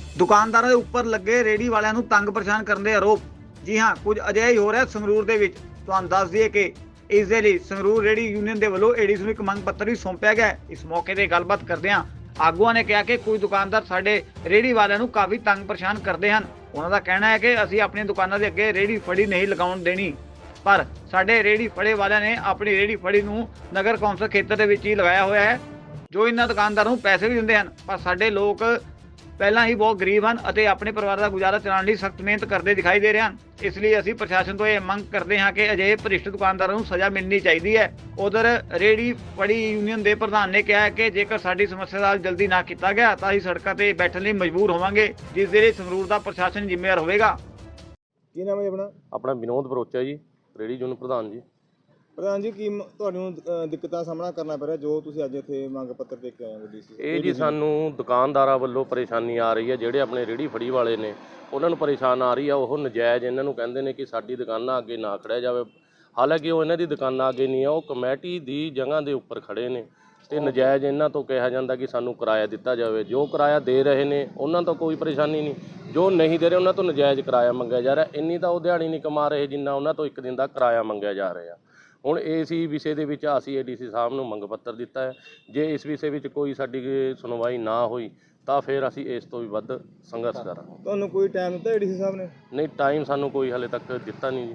ਦੁਕਾਨਦਾਰਾਂ ਦੇ ਉੱਪਰ ਲੱਗੇ ਰੇਹੜੀ ਵਾਲਿਆਂ ਨੂੰ ਤੰਗ ਪਰੇਸ਼ਾਨ ਕਰਨ ਦੇ ਆਰੋਪ। ਜੀ ਹਾਂ, ਕੁਝ ਅਜਿਹਾ ਹੀ ਹੋ ਰਿਹਾ ਸੰਗਰੂਰ ਦੇ ਵਿੱਚ। ਤੁਹਾਨੂੰ ਦੱਸ ਦਈਏ ਕਿ ਇਸ ਦੇ ਲਈ ਸੰਗਰੂਰ ਰੇਹੜੀ ਯੂਨੀਅਨ ਦੇ ਵੱਲੋਂ ਏਡੀਸੀ ਨੂੰ ਇੱਕ ਮੰਗ ਪੱਤਰ ਵੀ ਸੌਂਪਿਆ ਗਿਆ। ਇਸ ਮੌਕੇ ਤੇ ਗੱਲਬਾਤ ਕਰਦਿਆਂ ਆਗੂਆਂ ਨੇ ਕਿਹਾ ਕਿ ਕੁਝ ਦੁਕਾਨਦਾਰ ਸਾਡੇ ਰੇਹੜੀ ਵਾਲਿਆਂ ਨੂੰ ਕਾਫੀ ਤੰਗ ਪਰੇਸ਼ਾਨ ਕਰਦੇ ਹਨ। ਉਹਨਾਂ ਦਾ ਕਹਿਣਾ ਹੈ ਕਿ ਅਸੀਂ ਆਪਣੀਆਂ ਦੁਕਾਨਾਂ ਦੇ ਅੱਗੇ ਰੇਹੜੀ ਫੜੀ ਨਹੀਂ ਲਗਾਉਣ ਦੇਣੀ, ਪਰ ਸਾਡੇ ਰੇਹੜੀ ਫੜੇ ਵਾਲਿਆਂ ਨੇ ਆਪਣੀ ਰੇਹੜੀ ਫੜੀ ਨੂੰ ਨਗਰ ਕੌਂਸਲ ਖੇਤਰ ਦੇ ਵਿੱਚ ਹੀ ਲਗਾਇਆ ਹੋਇਆ ਹੈ, ਜੋ ਇਹਨਾਂ ਦੁਕਾਨਦਾਰਾਂ ਨੂੰ ਪੈਸੇ ਵੀ ਦਿੰਦੇ ਹਨ। ਪਰ ਸਾਡੇ ਲੋਕ ਪਹਿਲਾਂ ਹੀ ਬਹੁਤ ਗਰੀਬ ਹਨ ਅਤੇ ਆਪਣੇ ਪਰਿਵਾਰ ਦਾ ਗੁਜ਼ਾਰਾ ਚਲਾਉਣ ਲਈ ਸਖਤ ਮਿਹਨਤ ਕਰਦੇ ਦਿਖਾਈ ਦੇ ਰਹੇ ਹਨ। ਇਸ ਲਈ ਅਸੀਂ ਪ੍ਰਸ਼ਾਸਨ ਤੋਂ ਇਹ ਮੰਗ ਕਰਦੇ ਹਾਂ ਕਿ ਅਜਿਹੇ ਭ੍ਰਿਸ਼ਟ ਦੁਕਾਨਦਾਰਾਂ ਨੂੰ ਸਜ਼ਾ ਮਿਲਣੀ ਚਾਹੀਦੀ ਹੈ। ਉਧਰ ਰੇਹੜੀ ਫੜੀ ਯੂਨੀਅਨ ਦੇ ਪ੍ਰਧਾਨ ਨੇ ਕਿਹਾ ਹੈ ਕਿ ਜੇਕਰ ਸਾਡੀ ਸਮੱਸਿਆ ਦਾ ਹੱਲ ਜਲਦੀ ਨਾ ਕੀਤਾ ਗਿਆ ਤਾਂ ਅਸੀਂ ਸੜਕਾਂ ਤੇ ਬੈਠਣ ਲਈ ਮਜਬੂਰ ਹੋਵਾਂਗੇ, ਜਿਸ ਦੇ ਲਈ ਸੰਗਰੂਰ ਦਾ ਪ੍ਰਸ਼ਾਸਨ ਜ਼ਿੰਮੇਵਾਰ ਹੋਵੇਗਾ। ਕੀ ਨਾਮ ਹੈ ਜੀ ਆਪਣਾ? ਆਪਣਾ ਵਿਨੋਦ ਬਰੋਚਾ ਜੀ, ਰੇਹੜੀ ਯੂਨੀਅਨ ਪ੍ਰਧਾਨ ਜੀ। ਪ੍ਰਧਾਨ ਜੀ, ਕੀ ਤੁਹਾਨੂੰ ਦਿੱਕਤਾਂ ਦਾ ਸਾਹਮਣਾ ਕਰਨਾ ਪੈ ਰਿਹਾ ਜੋ ਤੁਸੀਂ ਅੱਜ ਇੱਥੇ ਮੰਗ ਪੱਤਰ ਦੇ ਕੇ ਆਏ ਹੋ ਡੀਸੀ? ਇਹ ਜੀ ਸਾਨੂੰ ਦੁਕਾਨਦਾਰਾਂ ਵੱਲੋਂ ਪਰੇਸ਼ਾਨੀ ਆ ਰਹੀ ਹੈ, ਜਿਹੜੇ ਆਪਣੇ ਰੇਹੜੀ ਫੜੀ ਵਾਲੇ ਨੇ ਉਹਨਾਂ ਨੂੰ ਪਰੇਸ਼ਾਨ ਆ ਰਹੀ ਆ। ਉਹ ਨਜਾਇਜ਼ ਇਹਨਾਂ ਨੂੰ ਕਹਿੰਦੇ ਨੇ ਕਿ ਸਾਡੀ ਦੁਕਾਨਾਂ ਅੱਗੇ ਨਾ ਖੜਿਆ ਜਾਵੇ, ਹਾਲਾਂਕਿ ਉਹ ਇਹਨਾਂ ਦੀ ਦੁਕਾਨਾਂ ਅੱਗੇ ਨਹੀਂ ਆ, ਉਹ ਕਮੇਟੀ ਦੀ ਜਗ੍ਹਾ ਦੇ ਉੱਪਰ ਖੜੇ ਨੇ ਤੇ ਨਜਾਇਜ਼ ਇਹਨਾਂ ਤੋਂ ਕਿਹਾ ਜਾਂਦਾ ਕਿ ਸਾਨੂੰ ਕਿਰਾਇਆ ਦਿੱਤਾ ਜਾਵੇ। ਜੋ ਕਿਰਾਇਆ ਦੇ ਰਹੇ ਨੇ ਉਹਨਾਂ ਤੋਂ ਕੋਈ ਪਰੇਸ਼ਾਨੀ ਨਹੀਂ, ਜੋ ਨਹੀਂ ਦੇ ਰਹੇ ਉਹਨਾਂ ਤੋਂ ਨਜਾਇਜ਼ ਕਿਰਾਇਆ ਮੰਗਿਆ ਜਾ ਰਿਹਾ। ਇੰਨੀ ਤਾਂ ਉਹ ਦਿਹਾੜੀ ਨਹੀਂ ਕਮਾ ਰਹੇ ਜਿੰਨਾ ਉਹਨਾਂ ਤੋਂ ਇੱਕ ਦਿਨ ਦਾ ਕਿਰਾਇਆ ਮੰਗਿਆ ਜਾ ਰਿਹਾ। ਹੁਣ ਇਸ ਹੀ ਵਿਸ਼ੇ ਦੇ ਵਿੱਚ ਅਸੀਂ ਏਡੀਸੀ ਸਾਹਿਬ ਨੂੰ ਮੰਗ ਪੱਤਰ ਦਿੱਤਾ ਹੈ। ਜੇ ਇਸ ਵਿਸ਼ੇ ਵਿੱਚ ਕੋਈ ਸਾਡੀ ਸੁਣਵਾਈ ਨਾ ਹੋਈ ਤਾਂ ਫਿਰ ਅਸੀਂ ਇਸ ਤੋਂ ਵੀ ਵੱਧ ਸੰਘਰਸ਼ ਕਰਾਂਗੇ। ਤੁਹਾਨੂੰ ਕੋਈ ਟਾਈਮ ਦਿੱਤਾ ਏਡੀਸੀ ਸਾਹਿਬ ਨੇ? ਨਹੀਂ, ਟਾਈਮ ਸਾਨੂੰ ਕੋਈ ਹਾਲੇ ਤੱਕ ਦਿੱਤਾ ਨਹੀਂ ਜੀ।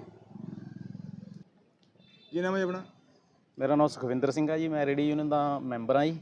ਕੀ ਨਾਮ ਹੈ ਆਪਣਾ? ਮੇਰਾ ਨਾਮ ਸੁਖਵਿੰਦਰ ਸਿੰਘ ਹੈ ਜੀ, ਮੈਂ ਰੇਹੜੀ ਯੂਨੀਅਨ ਦਾ ਮੈਂਬਰ ਹਾਂ ਜੀ।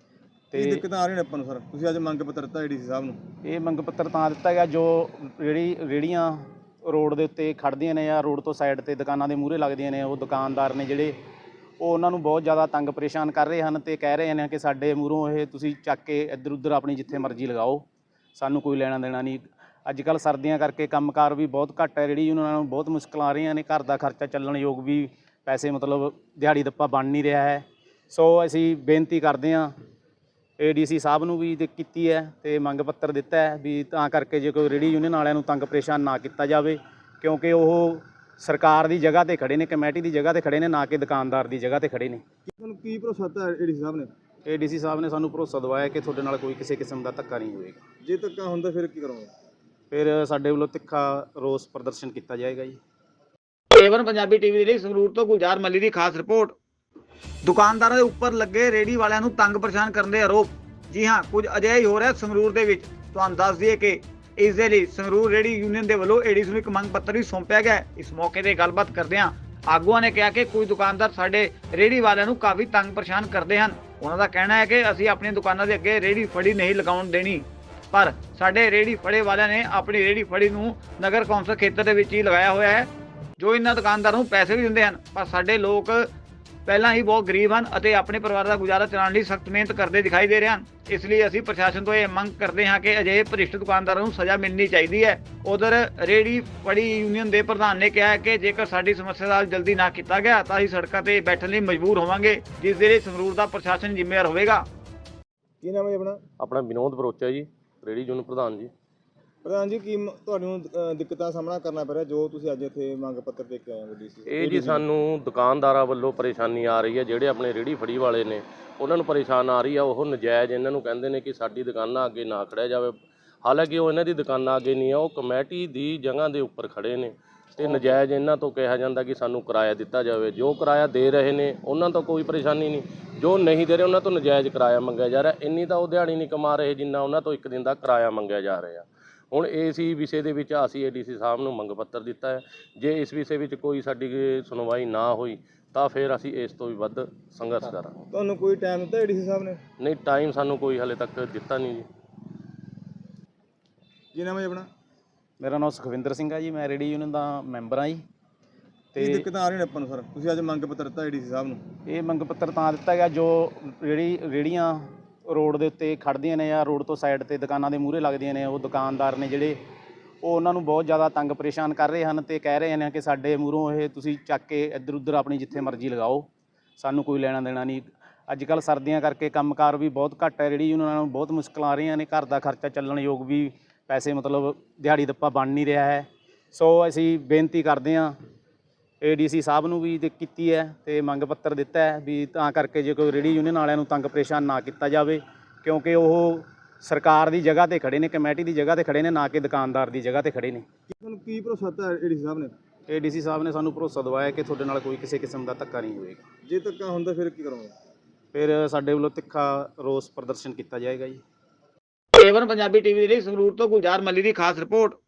ਕੀ ਦਿੱਕਤਾਂ ਆ ਰਹੀਆਂ ਨੇ ਆਪਾਂ ਨੂੰ ਸਰ? ਤੁਸੀਂ ਅੱਜ ਮੰਗ ਪੱਤਰ ਦਿੱਤਾ ਏਡੀਸੀ ਸਾਹਿਬ ਨੂੰ? ਇਹ ਮੰਗ ਪੱਤਰ ਤਾਂ ਦਿੱਤਾ ਗਿਆ, ਜੋ ਰੇਹੜੀਆਂ ਰੋਡ ਦੇ ਉੱਤੇ ਖੜ੍ਹਦੀਆਂ ਨੇ ਜਾਂ ਰੋਡ ਤੋਂ ਸਾਈਡ ਤੇ ਦੁਕਾਨਾਂ ਦੇ ਮੂਹਰੇ ਲੱਗਦੀਆਂ ਨੇ, ਉਹ ਦੁਕਾਨਦਾਰ ਨੇ ਜਿਹੜੇ ਉਹ ਉਹਨਾਂ ਨੂੰ ਬਹੁਤ ਜ਼ਿਆਦਾ ਤੰਗ ਪਰੇਸ਼ਾਨ ਕਰ ਰਹੇ ਹਨ ਤੇ ਕਹਿ ਰਹੇ ਨੇ ਕਿ ਸਾਡੇ ਮੂਹਰੋਂ ਇਹ ਤੁਸੀਂ ਚੱਕ ਕੇ ਇੱਧਰ ਉੱਧਰ ਆਪਣੀ ਜਿੱਥੇ ਮਰਜ਼ੀ ਲਗਾਓ, ਸਾਨੂੰ ਕੋਈ ਲੈਣਾ ਦੇਣਾ ਨਹੀਂ। ਅੱਜ ਕੱਲ੍ਹ ਸਰਦੀਆਂ ਕਰਕੇ ਕੰਮਕਾਰ ਵੀ ਬਹੁਤ ਘੱਟ ਹੈ, ਰੇਹੜੀ ਉਹਨਾਂ ਨੂੰ ਬਹੁਤ ਮੁਸ਼ਕਲਾਂ ਆ ਰਹੀਆਂ ਨੇ, ਘਰ ਦਾ ਖਰਚਾ ਚੱਲਣ ਯੋਗ ਵੀ ਪੈਸੇ ਮਤਲਬ ਦਿਹਾੜੀ ਦੱਪਾ ਬਣ ਨਹੀਂ ਰਿਹਾ ਹੈ। ਸੋ ਅਸੀਂ ਬੇਨਤੀ ਕਰਦੇ ਹਾਂ ਏਡੀਸੀ ਸਾਹਿਬ ਨੂੰ ਵੀ ਕੀਤੀ ਹੈ ਤੇ ਮੰਗ ਪੱਤਰ ਦਿੱਤਾ ਹੈ ਵੀ ਤਾਂ ਕਰਕੇ ਜੇ ਕੋਈ ਰੇਹੜੀ ਯੂਨੀਅਨ ਵਾਲਿਆਂ ਨੂੰ ਤੰਗ ਪਰੇਸ਼ਾਨ ਨਾ ਕੀਤਾ ਜਾਵੇ, ਕਿਉਂਕਿ ਉਹ ਸਰਕਾਰ ਦੀ ਜਗ੍ਹਾ ਤੇ ਖੜੇ ਨੇ, ਕਮੇਟੀ ਦੀ ਜਗ੍ਹਾ ਤੇ ਖੜੇ ਨੇ, ਨਾ ਕਿ ਦੁਕਾਨਦਾਰ ਦੀ ਜਗ੍ਹਾ ਤੇ ਖੜੇ ਨੇ। ਤੁਹਾਨੂੰ ਕੀ ਭਰੋਸਾ ਦਿੱਤਾ ਏਡੀਸੀ ਸਾਹਿਬ ਨੇ? ਏਡੀਸੀ ਸਾਹਿਬ ਨੇ ਸਾਨੂੰ ਭਰੋਸਾ ਦਿਵਾਇਆ ਕਿ ਤੁਹਾਡੇ ਨਾਲ ਕੋਈ ਕਿਸੇ ਕਿਸਮ ਦਾ ਧੱਕਾ ਨਹੀਂ ਹੋਵੇਗਾ। ਜੇ ਧੱਕਾ ਹੁੰਦਾ ਫਿਰ ਕੀ ਕਰੋਗੇ? ਫਿਰ ਸਾਡੇ ਵੱਲੋਂ ਤਿੱਖਾ ਰੋਸ ਪ੍ਰਦਰਸ਼ਨ ਕੀਤਾ ਜਾਏਗਾ ਜੀ। ਏਵਨ ਪੰਜਾਬੀ ਟੀਵੀ ਦੇ ਲਈ ਸੰਗਰੂਰ ਤੋਂ ਗੁਲਜ਼ਾਰ ਮੱਲੀ ਦੀ ਖਾਸ ਰਿਪੋਰਟ। ਦੁਕਾਨਦਾਰਾਂ ਦੇ ਉੱਪਰ ਲੱਗੇ ਰੇਹੜੀ ਵਾਲਿਆਂ ਨੂੰ ਤੰਗ ਪਰੇਸ਼ਾਨ ਕਰਨ ਦੇ ਆਰੋਪ। ਜੀ ਹਾਂ, ਕੁਝ ਅਜਿਹਾ ਹੀ ਹੋ ਰਿਹਾ ਸੰਗਰੂਰ ਦੇ ਵਿੱਚ। ਤੁਹਾਨੂੰ ਦੱਸ ਦਈਏ ਕਿ ਇਸ ਦੇ ਲਈ ਸੰਗਰੂਰ ਰੇਹੜੀ ਯੂਨੀਅਨ ਦੇ ਵੱਲੋਂ ਏਡੀਸੀ ਨੂੰ ਇੱਕ ਮੰਗ ਪੱਤਰ ਵੀ ਸੌਂਪਿਆ ਗਿਆ। ਇਸ ਮੌਕੇ ਤੇ ਗੱਲਬਾਤ ਕਰਦਿਆਂ ਆਗੂਆਂ ਨੇ ਕਿਹਾ ਕਿ ਕੁਝ ਦੁਕਾਨਦਾਰ ਸਾਡੇ ਰੇਹੜੀ ਵਾਲਿਆਂ ਨੂੰ ਕਾਫੀ ਤੰਗ ਪਰੇਸ਼ਾਨ ਕਰਦੇ ਹਨ। ਉਹਨਾਂ ਦਾ ਕਹਿਣਾ ਹੈ ਕਿ ਅਸੀਂ ਆਪਣੀਆਂ ਦੁਕਾਨਾਂ ਦੇ ਅੱਗੇ ਰੇਹੜੀ ਫੜੀ ਨਹੀਂ ਲਗਾਉਣ ਦੇਣੀ, ਪਰ ਸਾਡੇ ਰੇਹੜੀ ਫੜੇ ਵਾਲਿਆਂ ਨੇ ਆਪਣੀ ਰੇਹੜੀ ਫੜੀ ਨੂੰ ਨਗਰ ਕੌਂਸਲ ਖੇਤਰ ਦੇ ਵਿੱਚ ਹੀ ਲਗਾਇਆ ਹੋਇਆ ਹੈ, ਜੋ ਇਹਨਾਂ ਦੁਕਾਨਦਾਰਾਂ ਨੂੰ ਪੈਸੇ ਵੀ ਦਿੰਦੇ ਹਨ। ਪਰ ਸਾਡੇ ਲੋਕ ਪਹਿਲਾਂ ਹੀ ਬਹੁਤ ਗਰੀਬ ਹਨ ਅਤੇ ਆਪਣੇ ਪਰਿਵਾਰ ਦਾ ਗੁਜ਼ਾਰਾ ਚਲਾਉਣ ਲਈ ਸਖਤ ਮਿਹਨਤ ਕਰਦੇ ਦਿਖਾਈ ਦੇ ਰਹੇ ਹਨ। ਇਸ ਲਈ ਅਸੀਂ ਪ੍ਰਸ਼ਾਸਨ ਤੋਂ ਇਹ ਮੰਗ ਕਰਦੇ ਹਾਂ ਕਿ ਅਜਿਹੇ ਭ੍ਰਿਸ਼ਟ ਦੁਕਾਨਦਾਰਾਂ ਨੂੰ ਸਜ਼ਾ ਮਿਲਣੀ ਚਾਹੀਦੀ ਹੈ। ਉਧਰ ਰੇਹੜੀ ਫੜੀ ਯੂਨੀਅਨ ਦੇ ਪ੍ਰਧਾਨ ਨੇ ਕਿਹਾ ਹੈ ਕਿ ਜੇਕਰ ਸਾਡੀ ਸਮੱਸਿਆ ਦਾ ਹੱਲ ਜਲਦੀ ਨਾ ਕੀਤਾ ਗਿਆ ਤਾਂ ਅਸੀਂ ਸੜਕਾਂ ਤੇ ਬੈਠਣ ਲਈ ਮਜਬੂਰ ਹੋਵਾਂਗੇ, ਜਿਸ ਦੇ ਲਈ ਸੰਗਰੂਰ ਦਾ ਪ੍ਰਸ਼ਾਸਨ ਜ਼ਿੰਮੇਵਾਰ ਹੋਵੇਗਾ। ਕੀ ਨਾਮ ਹੈ ਆਪਣਾ? ਆਪਣਾ ਵਿਨੋਦ ਬਰੋਚਾ ਜੀ, ਰੇਹੜੀ ਯੂਨੀਅਨ ਪ੍ਰਧਾਨ ਜੀ। ਪ੍ਰਧਾਨ ਜੀ, ਕੀ ਤੁਹਾਨੂੰ ਦਿੱਕਤਾਂ ਦਾ ਸਾਹਮਣਾ ਕਰਨਾ ਪੈ ਰਿਹਾ ਜੋ ਤੁਸੀਂ ਅੱਜ ਇੱਥੇ ਮੰਗ ਪੱਤਰ ਦੇ ਕੇ ਆਏ ਹੋ ਡੀਸੀ? ਇਹ ਜੀ ਸਾਨੂੰ ਦੁਕਾਨਦਾਰਾਂ ਵੱਲੋਂ ਪਰੇਸ਼ਾਨੀ ਆ ਰਹੀ ਹੈ, ਜਿਹੜੇ ਆਪਣੇ ਰੇਹੜੀ ਫੜੀ ਵਾਲੇ ਨੇ ਉਹਨਾਂ ਨੂੰ ਪਰੇਸ਼ਾਨ ਆ ਰਹੀ ਆ। ਉਹ ਨਜਾਇਜ਼ ਇਹਨਾਂ ਨੂੰ ਕਹਿੰਦੇ ਨੇ ਕਿ ਸਾਡੀ ਦੁਕਾਨਾਂ ਅੱਗੇ ਨਾ ਖੜਿਆ ਜਾਵੇ, ਹਾਲਾਂਕਿ ਉਹ ਇਹਨਾਂ ਦੀ ਦੁਕਾਨਾਂ ਅੱਗੇ ਨਹੀਂ ਆ, ਉਹ ਕਮੇਟੀ ਦੀ ਜਗ੍ਹਾ ਦੇ ਉੱਪਰ ਖੜੇ ਨੇ ਤੇ ਨਜਾਇਜ਼ ਇਹਨਾਂ ਤੋਂ ਕਿਹਾ ਜਾਂਦਾ ਕਿ ਸਾਨੂੰ ਕਿਰਾਇਆ ਦਿੱਤਾ ਜਾਵੇ। ਜੋ ਕਿਰਾਇਆ ਦੇ ਰਹੇ ਨੇ ਉਹਨਾਂ ਤੋਂ ਕੋਈ ਪਰੇਸ਼ਾਨੀ ਨਹੀਂ, ਜੋ ਨਹੀਂ ਦੇ ਰਹੇ ਉਹਨਾਂ ਤੋਂ ਨਜਾਇਜ਼ ਕਿਰਾਇਆ ਮੰਗਿਆ ਜਾ ਰਿਹਾ। ਇੰਨੀ ਤਾਂ ਉਹ ਦਿਹਾੜੀ ਨਹੀਂ ਕਮਾ ਰਹੇ ਜਿੰਨਾ ਉਹਨਾਂ ਤੋਂ ਇੱਕ ਦਿਨ ਦਾ ਕਿਰਾਇਆ ਮੰਗਿਆ ਜਾ ਰਿਹਾ। ਹੁਣ ਇਸ ਹੀ ਵਿਸ਼ੇ ਦੇ ਵਿੱਚ ਅਸੀਂ ਏਡੀਸੀ ਸਾਹਿਬ ਨੂੰ ਮੰਗ ਪੱਤਰ ਦਿੱਤਾ ਹੈ। ਜੇ ਇਸ ਵਿਸ਼ੇ ਵਿੱਚ ਕੋਈ ਸਾਡੀ ਸੁਣਵਾਈ ਨਾ ਹੋਈ ਤਾਂ ਫਿਰ ਅਸੀਂ ਇਸ ਤੋਂ ਵੀ ਵੱਧ ਸੰਘਰਸ਼ ਕਰਾਂਗੇ। ਤੁਹਾਨੂੰ ਕੋਈ ਟਾਈਮ ਦਿੱਤਾ ਏਡੀਸੀ ਸਾਹਿਬ ਨੇ? ਨਹੀਂ, ਟਾਈਮ ਸਾਨੂੰ ਕੋਈ ਹਾਲੇ ਤੱਕ ਦਿੱਤਾ ਨਹੀਂ ਜੀ। ਕੀ ਨਾਮ ਹੈ ਆਪਣਾ? ਮੇਰਾ ਨਾਮ ਸੁਖਵਿੰਦਰ ਸਿੰਘ ਹੈ ਜੀ, ਮੈਂ ਰੇਹੜੀ ਯੂਨੀਅਨ ਦਾ ਮੈਂਬਰ ਹਾਂ ਜੀ। ਕੀ ਦਿੱਕਤਾਂ ਆ ਰਹੀਆਂ ਨੇ ਆਪਾਂ ਨੂੰ ਸਰ? ਤੁਸੀਂ ਅੱਜ ਮੰਗ ਪੱਤਰ ਦਿੱਤਾ ਏਡੀਸੀ ਸਾਹਿਬ ਨੂੰ? ਇਹ ਮੰਗ ਪੱਤਰ ਤਾਂ ਦਿੱਤਾ ਗਿਆ, ਜੋ ਰੇਹੜੀਆਂ ਰੋਡ ਦੇ ਉੱਤੇ ਖੜ੍ਹਦੀਆਂ ਨੇ ਜਾਂ ਰੋਡ ਤੋਂ ਸਾਈਡ ਤੇ ਦੁਕਾਨਾਂ ਦੇ ਮੂਹਰੇ ਲੱਗਦੀਆਂ ਨੇ, ਉਹ ਦੁਕਾਨਦਾਰ ਨੇ ਜਿਹੜੇ ਉਹ ਉਹਨਾਂ ਨੂੰ ਬਹੁਤ ਜ਼ਿਆਦਾ ਤੰਗ ਪਰੇਸ਼ਾਨ ਕਰ ਰਹੇ ਹਨ ਤੇ ਕਹਿ ਰਹੇ ਨੇ ਕਿ ਸਾਡੇ ਮੂਹਰੋਂ ਇਹ ਤੁਸੀਂ ਚੱਕ ਕੇ ਇੱਧਰ ਉੱਧਰ ਆਪਣੀ ਜਿੱਥੇ ਮਰਜ਼ੀ ਲਗਾਓ, ਸਾਨੂੰ ਕੋਈ ਲੈਣਾ ਦੇਣਾ ਨਹੀਂ। ਅੱਜ ਕੱਲ੍ਹ ਸਰਦੀਆਂ ਕਰਕੇ ਕੰਮਕਾਰ ਵੀ ਬਹੁਤ ਘੱਟ ਹੈ, ਰੇਹੜੀ ਉਹਨਾਂ ਨੂੰ ਬਹੁਤ ਮੁਸ਼ਕਲਾਂ ਆ ਰਹੀਆਂ ਨੇ, ਘਰ ਦਾ ਖਰਚਾ ਚੱਲਣ ਯੋਗ ਵੀ ਪੈਸੇ ਮਤਲਬ ਦਿਹਾੜੀ ਦੱਪਾ ਬਣ ਨਹੀਂ ਰਿਹਾ ਹੈ। ਸੋ ਅਸੀਂ ਬੇਨਤੀ ਕਰਦੇ ਹਾਂ ਏਡੀਸੀ ਸਾਹਿਬ ਨੂੰ ਵੀ ਕੀਤੀ ਹੈ ਤੇ ਮੰਗ ਪੱਤਰ ਦਿੱਤਾ ਹੈ ਵੀ ਤਾਂ ਕਰਕੇ ਜੇ ਕੋਈ ਰੇਹੜੀ ਯੂਨੀਅਨ ਵਾਲਿਆਂ ਨੂੰ ਤੰਗ ਪਰੇਸ਼ਾਨ ਨਾ ਕੀਤਾ ਜਾਵੇ, ਕਿਉਂਕਿ ਉਹ ਸਰਕਾਰ ਦੀ ਜਗ੍ਹਾ ਤੇ ਖੜੇ ਨੇ, ਕਮੇਟੀ ਦੀ ਜਗ੍ਹਾ ਤੇ ਖੜੇ ਨੇ, ਨਾ ਕਿ ਦੁਕਾਨਦਾਰ ਦੀ ਜਗ੍ਹਾ ਤੇ ਖੜੇ ਨੇ। ਤੁਹਾਨੂੰ ਕੀ ਭਰੋਸਾ ਦਿੱਤਾ ਏਡੀਸੀ ਸਾਹਿਬ ਨੇ? ਏਡੀਸੀ ਸਾਹਿਬ ਨੇ ਸਾਨੂੰ ਭਰੋਸਾ ਦਿਵਾਇਆ ਕਿ ਤੁਹਾਡੇ ਨਾਲ ਕੋਈ ਕਿਸੇ ਕਿਸਮ ਦਾ ਧੱਕਾ ਨਹੀਂ ਹੋਏਗਾ। ਜੇ ਧੱਕਾ ਹੁੰਦਾ ਫਿਰ ਕੀ ਕਰੋਗੇ? ਫਿਰ ਸਾਡੇ ਵੱਲੋਂ ਤਿੱਖਾ ਰੋਸ ਪ੍ਰਦਰਸ਼ਨ ਕੀਤਾ ਜਾਏਗਾ ਜੀ। ਏਵਨ ਪੰਜਾਬੀ ਟੀਵੀ ਦੇ ਲਈ ਸੰਗਰੂਰ ਤੋਂ ਗੁਲਜ਼ਾਰ ਮੱਲੀ ਦੀ ਖਾਸ ਰਿਪੋਰਟ।